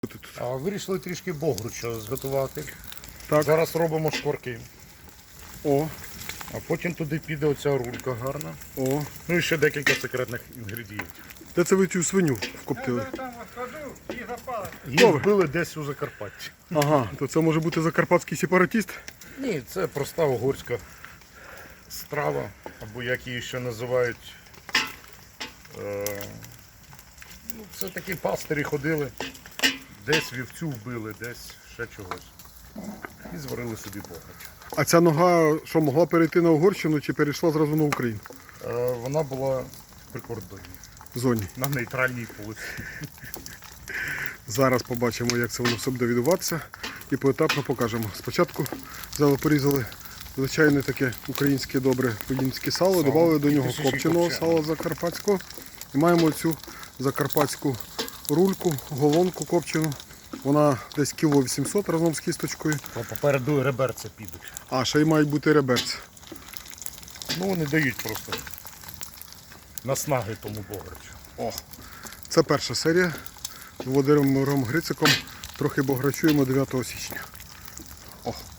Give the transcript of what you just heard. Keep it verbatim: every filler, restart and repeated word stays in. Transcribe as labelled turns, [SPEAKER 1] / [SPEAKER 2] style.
[SPEAKER 1] А вирішили трішки богруча зготувати.
[SPEAKER 2] Так.
[SPEAKER 1] Зараз робимо шкварки.
[SPEAKER 2] О,
[SPEAKER 1] А потім туди піде оця рулька гарна.
[SPEAKER 2] о.
[SPEAKER 1] Ну і ще декілька секретних інгредієнтів.
[SPEAKER 2] Де це ви цю свиню вкоптили?
[SPEAKER 1] Її вбили десь у Закарпатті.
[SPEAKER 2] Ага, то це може бути закарпатський сепаратіст?
[SPEAKER 1] Ні, це проста угорська страва, або як її ще називають. Е, ну, це такі пастирі ходили, десь вівцю вбили, десь ще чогось. І зварили собі бограч.
[SPEAKER 2] А ця нога що, могла перейти на Угорщину чи перейшла зразу на Україну?
[SPEAKER 1] Е, вона була в прикордонні,
[SPEAKER 2] В зоні.
[SPEAKER 1] на нейтральній полосі.
[SPEAKER 2] Зараз побачимо, як це воно все буде відбуватися і поетапно покажемо. Спочатку взяли, порізали звичайне таке українське добре подінське сало,
[SPEAKER 1] Сало.
[SPEAKER 2] додали до
[SPEAKER 1] І
[SPEAKER 2] нього
[SPEAKER 1] трішечки
[SPEAKER 2] копченого
[SPEAKER 1] копченого.
[SPEAKER 2] сала закарпатського. І маємо цю закарпатську рульку, голонку копчену. Вона десь кіло вісімсот разом з кісточкою.
[SPEAKER 1] Попереду реберця підуть.
[SPEAKER 2] А, ще й мають бути реберці.
[SPEAKER 1] Ну вони дають просто наснаги тому бограчу.
[SPEAKER 2] О, це перша серія. З Володимиром Грициком трохи бограчуємо дев'ятого січня. О.